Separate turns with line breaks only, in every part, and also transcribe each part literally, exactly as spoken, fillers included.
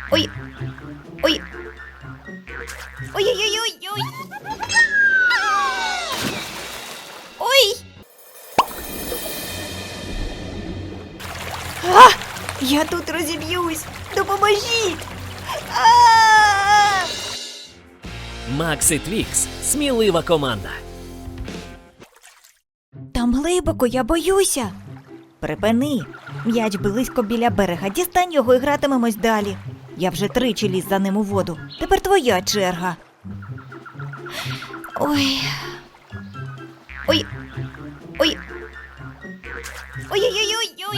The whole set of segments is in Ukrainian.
Ой. Ой. Ой-ой-ой-ой-ой. Ой. А! Я тут розіб'юсь. Допоможіть. А!
Макс і Твікс – смілива команда.
Там глибоко, я боюся. Припини. М'яч близько біля берега. Дістань його і гратимемось далі. Я вже тричі ліз за ним у воду. Тепер твоя черга. Ой. Ой. Ой. Ой-ой-ой-ой-ой.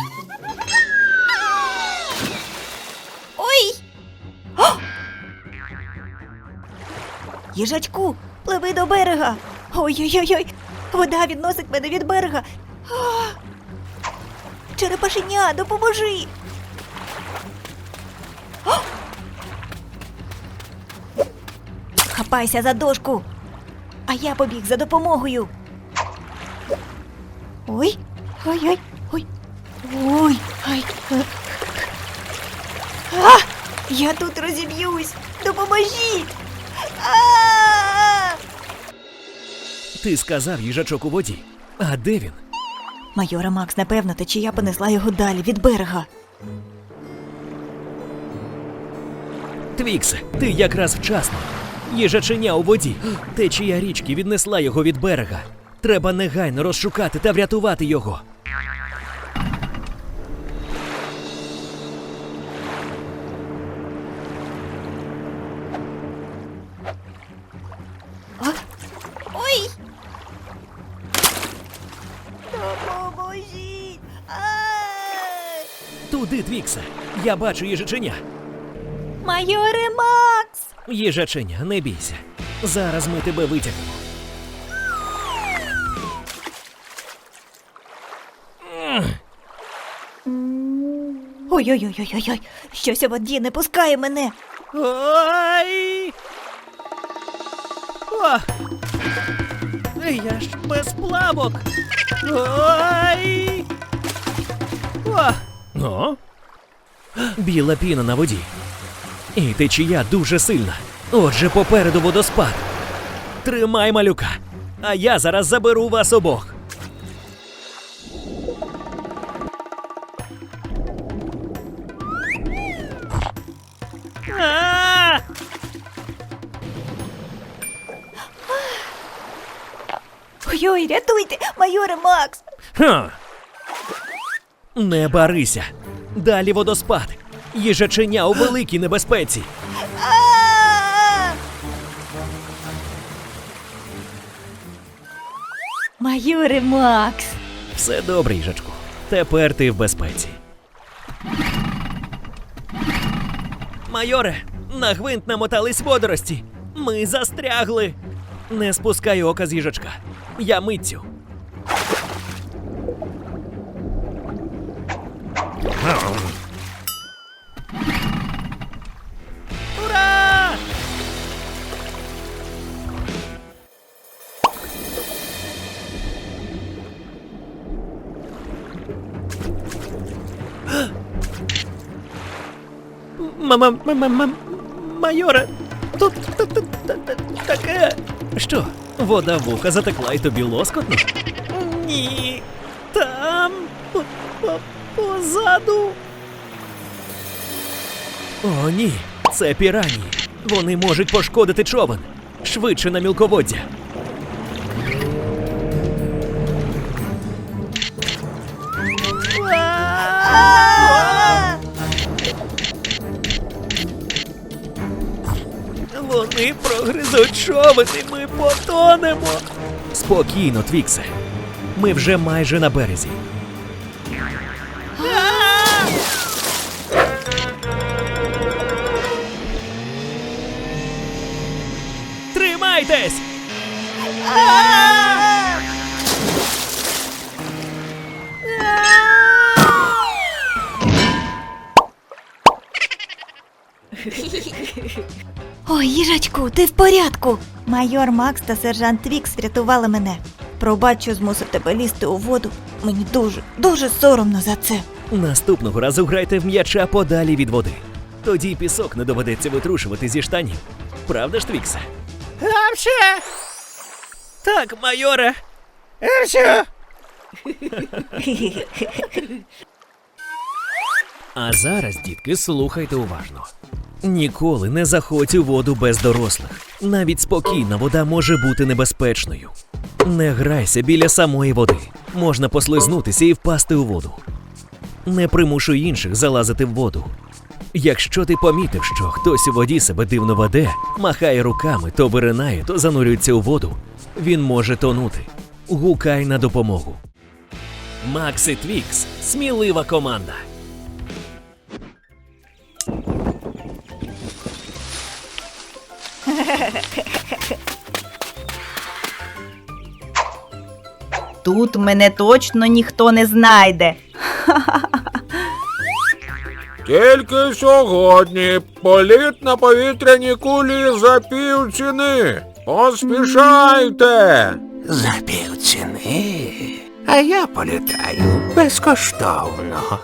Ой. О! Їжачку, пливи до берега. Ой-ой-ой-ой. Вода відносить мене від берега. А! Черепашеня, допоможи. О! Хапайся за дошку. А я побіг за допомогою. Ой, ой-ой, ой. Ой, ай. А! Я тут розіб'юсь. Допоможіть. А!
Ти сказав їжачок у воді. А де він?
Майора Макс, напевно, течія понесла його далі від берега.
Твіксе, ти якраз вчасно. Їжаченя у воді. Течія річки віднесла його від берега. Треба негайно розшукати та врятувати його.
А? Ой! Допоможіть! Ай!
Туди, Твіксе. Я бачу їжаченя.
Майоре Макс!
Їжаченя, не бійся. Зараз ми тебе витягнемо.
Ой-ой-ой-ой-ой! Щось у воді не пускає мене!
Ой! О! Я ж без плавок! Ой! О! О! Біла піна на воді. І течія дуже сильна. Отже, попереду водоспад. Тримай малюка, а я зараз заберу вас обох. А!
Ой-ой, рятуйте! Майоре Макс!
Ха! Не барися. Далі водоспад. Їжаченя у великій небезпеці.
А! Майоре Макс!
Все добре, їжачку. Тепер ти в безпеці. Майоре, на гвинт намотались водорості. Ми застрягли. Не спускай ока з їжачка. Я митцю. Ура! Мама, мама, майоре, тут таке. Що, вода в вуха затекла і тобі лоскотно? Ні, там, позаду. О, ні, це піранії. Вони можуть пошкодити човен. Швидше на мілководдя. Вони прогризуть човен і ми потонемо. Спокійно, Твіксе. Ми вже майже на березі. Тримайтесь!
Ой, їжачку, ти в порядку? Майор Макс та сержант Твікс врятували мене. Пробач, що змусив тебе лізти у воду. Мені дуже, дуже соромно за це.
Наступного разу грайте в м'яча подалі від води. Тоді й пісок не доведеться витрушувати зі штанів. Правда ж, Твіксе?
Апче!
Так, майоре.
Апче!
А зараз, дітки, слухайте уважно. Ніколи не заходь у воду без дорослих. Навіть спокійна вода може бути небезпечною. Не грайся біля самої води. Можна послизнутися і впасти у воду. Не примушуй інших залазити в воду. Якщо ти помітив, що хтось у воді себе дивно веде, махає руками, то виринає, то занурюється у воду, він може тонути. Гукай на допомогу. Макс і Твікс – смілива команда.
Тут мене точно ніхто не знайде.
Тільки сьогодні політ на повітряній кулі за півціни. Поспішайте!
За півціни. А я політаю безкоштовно.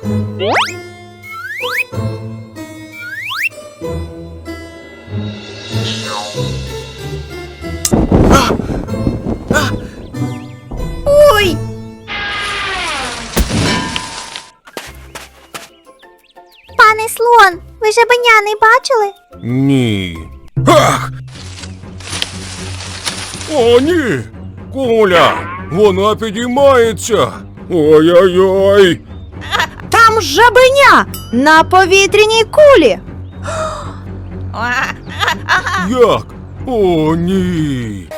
Ой!
Пане слон, ви жабеня не бачили?
Ні. Ах! О, ні! Куля! Вона підіймається! Ой-ой-ой!
Там жабеня на повітряній кулі.
Як? О, ні!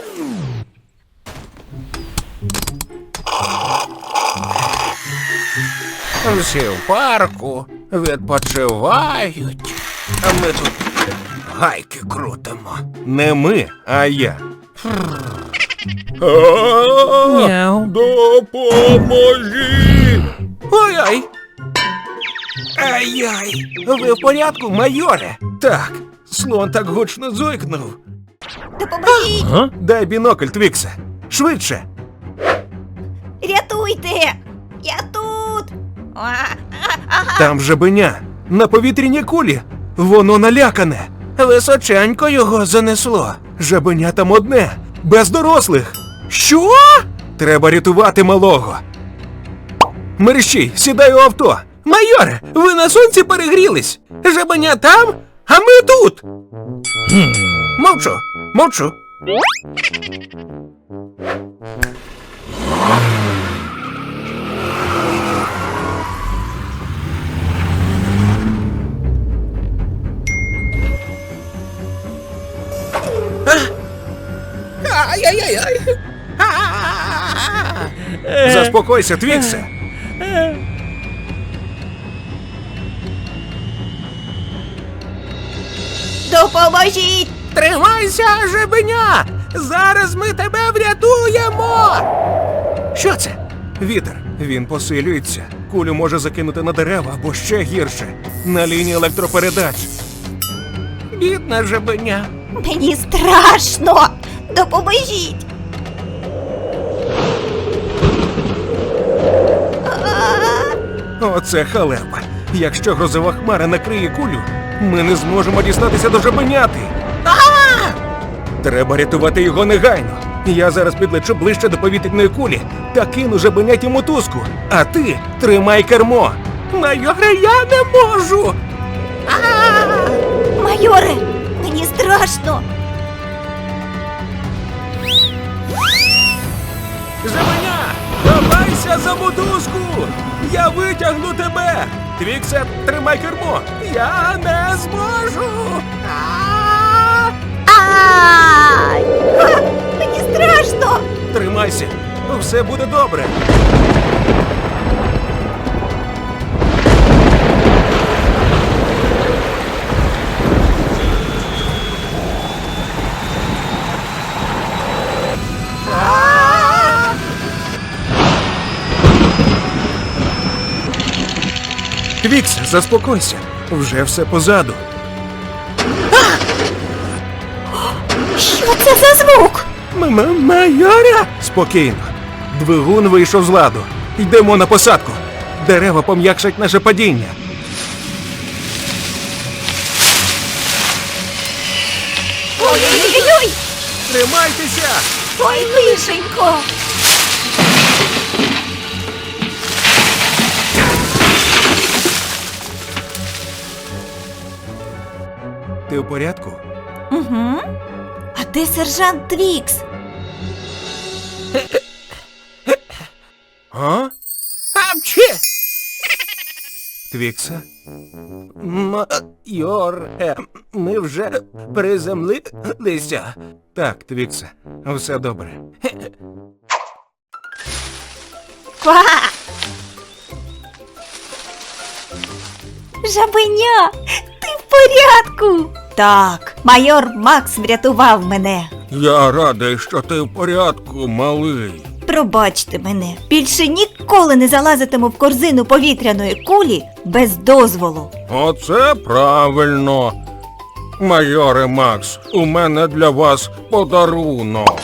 Всі в парку відпочивають. А ми тут гайки крутимо.
Не ми, а я. А, допоможіть!
Ой-ой! Ай-яй! Ви в порядку, майоре?
Так, слон так гучно зойкнув.
Допоможіть!
А?
Дай бінокль, Твіксе. Швидше.
Рятуйте! Я тут!
Там жабеня. На повітряній кулі. Воно налякане.
Височенько його занесло.
Жабеня там одне. Без дорослих.
Що?
Треба рятувати малого. Мерщій, сідай у авто.
Майоре, ви на сонці перегрілись. Жабеня там, а ми тут. Мовчу, мовчу. Ай-яй-яй-яй. А-а-а.
Заспокойся, Твіксе.
Допоможіть!
Тримайся, жабеня! Зараз ми тебе врятуємо!
Що це? Вітер. Він посилюється. Кулю може закинути на дерева або ще гірше. На лінії електропередач.
Бідна жабеня.
Мені страшно! Допоможіть!
Оце халепа. Якщо грозова хмара накриє кулю, ми не зможемо дістатися до жабеняти. Треба рятувати його негайно. Я зараз підлечу ближче до повітряної кулі та кину жабеняті мотузку. А ти тримай кермо.
Майоре, я не можу!
Майоре, мені страшно!
Жабеня, давайся за мотузку! Я витягну тебе! Твіксе, тримай кермо! Я не зможу! А!
Ай! Ха! Мені страшно!
Тримайся! Все буде добре! Твікс, заспокойся. Вже все позаду.
Що це за звук?
Майора! Спокійно. Двигун вийшов з ладу. Йдемо на посадку. Дерева пом'якшать наше падіння. Тримайтеся!
Ой, лишенько!
Ти в порядку?
Угу. А де сержант Твікс?
А?
Апчі!
Твікса?
Майор, е, ми вже приземлилися.
Так, Твікса, все добре.
Ква! Жабеня, ти в порядку? Так, майор Макс врятував мене.
Я радий, що ти в порядку, малий.
Пробачте мене, більше ніколи не залазитиму в корзину повітряної кулі без дозволу.
Оце правильно. Майоре Макс, у мене для вас подарунок.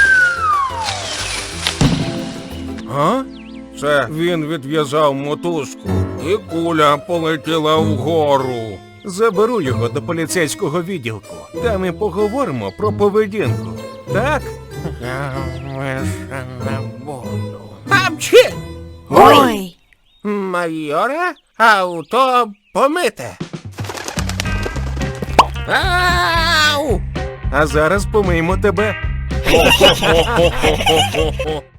А? Це він відв'язав мотузку, і куля полетіла вгору. Заберу його до поліцейського відділку. Там і поговоримо про поведінку. Так?
Я лише не буду. Апчі!
Ой!
Майоре, авто помите. Ау!
А зараз помиємо тебе.